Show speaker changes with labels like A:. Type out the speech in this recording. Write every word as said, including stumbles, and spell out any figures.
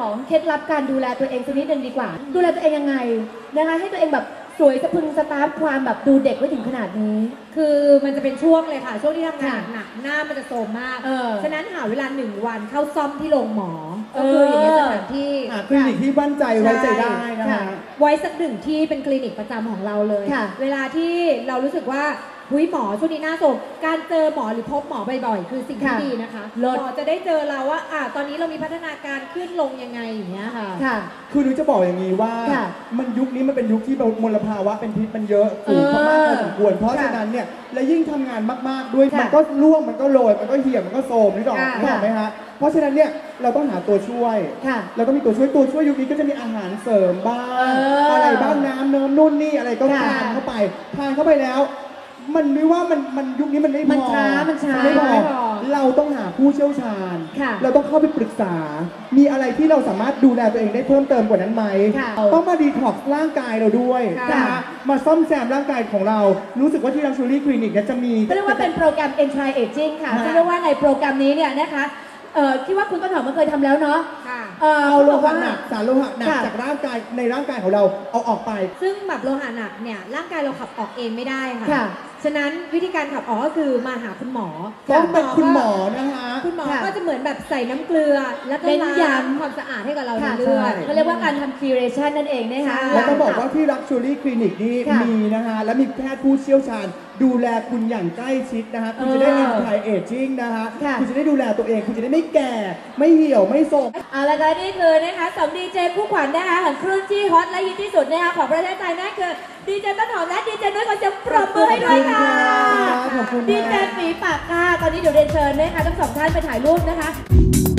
A: ของเคล็ดลับการดูแลตัวเองสักนิดนึงดีกว่าดูแลตัวเองยังไงนะคะให้ตัวเองแบบสวยสะพรึงสตาร์ฟความแบบดูเด็กไว้ถึงขนาดนี้
B: คือมันจะเป็นช่วงเลยค่ะช่วงที่ทำงานหนักหน้ามันจะโทรมมากฉะนั้นหาเวลาหนึ่งวันเข้าซ่อมที่โรงหมอก็คืออย่างเงี้ยสถานที่
C: คลินิกที่มั่นใจไว้ใจได้นะคะ
B: ไว้สักหนึ่งที่เป็นคลินิกประจำของเราเลยเวลาที่เรารู้สึกว่าหุ้ยหมอช่วงนี้น่าสนการเจอหมอหรือพบหมอบ่อยๆคือสิ่งที่ดีนะคะหมอจะได้เจอเราว่าอ่าตอนนี้เรามีพัฒนาการขึ้นลงยังไงอย่างเงี้ยค่ะ
C: คือหนูจะบอกอย่างนี้ว่ามันยุคนี้มันเป็นยุคที่มลภาวะเป็นพิษมันเยอะสูงมากพอสมควรเพราะฉะนั้นเนี่ยและยิ่งทำงานมากๆด้วยมันก็ร่วงมันก็โรยมันก็เหี่ยวมันก็โทรมนี่หรอกนี่หรอกไหมฮะเพราะฉะนั้นเนี่ยเราต้องหาตัวช่วยเราต้องมีตัวช่วยตัวช่วยยุคนี้ก็จะมีอาหารเสริมบ้างอะไรบ้างน้ำเนิ้มนุ่นนี่อะไรก็ทานเข้าไปทานเข้าไปแล้วมันไม่ว่ามันมันยุคนี้มันไม่พอ
A: มันช้ามันช้า
C: ไม่พอเราต้องหาผู้เชี่ยวชาญเราต้องเข้าไปปรึกษามีอะไรที่เราสามารถดูแลตัวเองได้เพิ่มเติมกว่านั้นไหมต้องมาดีท็อกซ์ร่างกายเราด้วยนะคะมาซ่อมแซมร่างกายของเรารู้สึกว่าที่ลักชัวรี่คลินิกจะมี
A: เรียกว่าเป็นโปรแกรม Anti Aging ค่ะซึ่งเรียกว่าในโปรแกรมนี้เนี่ยนะคะเอ่อคิดว่าคุณต้นหอมมันเคยทำแล้วเนาะ
C: เอาโลหะหนักสารโลหะหนักจากร่างกายในร่างกายของเราเอาออกไป
B: ซึ่งแบบโลหะหนักเนี่ยร่างกายเราขับออกเองไม่ได้ค่ะฉะนั้นวิธีการขับออกก็คือมาหาคุณหมอ
C: ต้องเป็นคุณหมอนะคะ
B: คุณหมอก็จะเหมือนแบบใส่น้ำเกลือแล้วก็ล้างความสะอาดให้กับเราในเลือด
A: เขาเรียกว่าการทำ curation นั่นเองนะคะ
C: แล้วต้องบอกว่าที่ลักชัวรี่คลินิกนี่มีนะคะและมีแพทย์ผู้เชี่ยวชาญดูแลคุณอย่างใกล้ชิดนะคะคุณจะได้ anti aging นะคะคุณจะได้ดูแลตัวเองคุณจะได้ไม่แก่ไม่เหี่ยวไม่โทรม
A: เอาละค่ะนี่คือนะคะสองดีเจคู่ขวัญนะคะของคลื่นที่ฮอตและฮิตที่สุดนะคะของประเทศไทยนั่นคือดีเจต้นหอมและดีเจนุ้ยขอเสียงปรบมือให้ด้วยค่ะดีเจฝีปากค่ะตอนนี้เดี๋ยวเรียนเชิญนะคะทั้งสองท่านไปถ่ายรูปนะคะ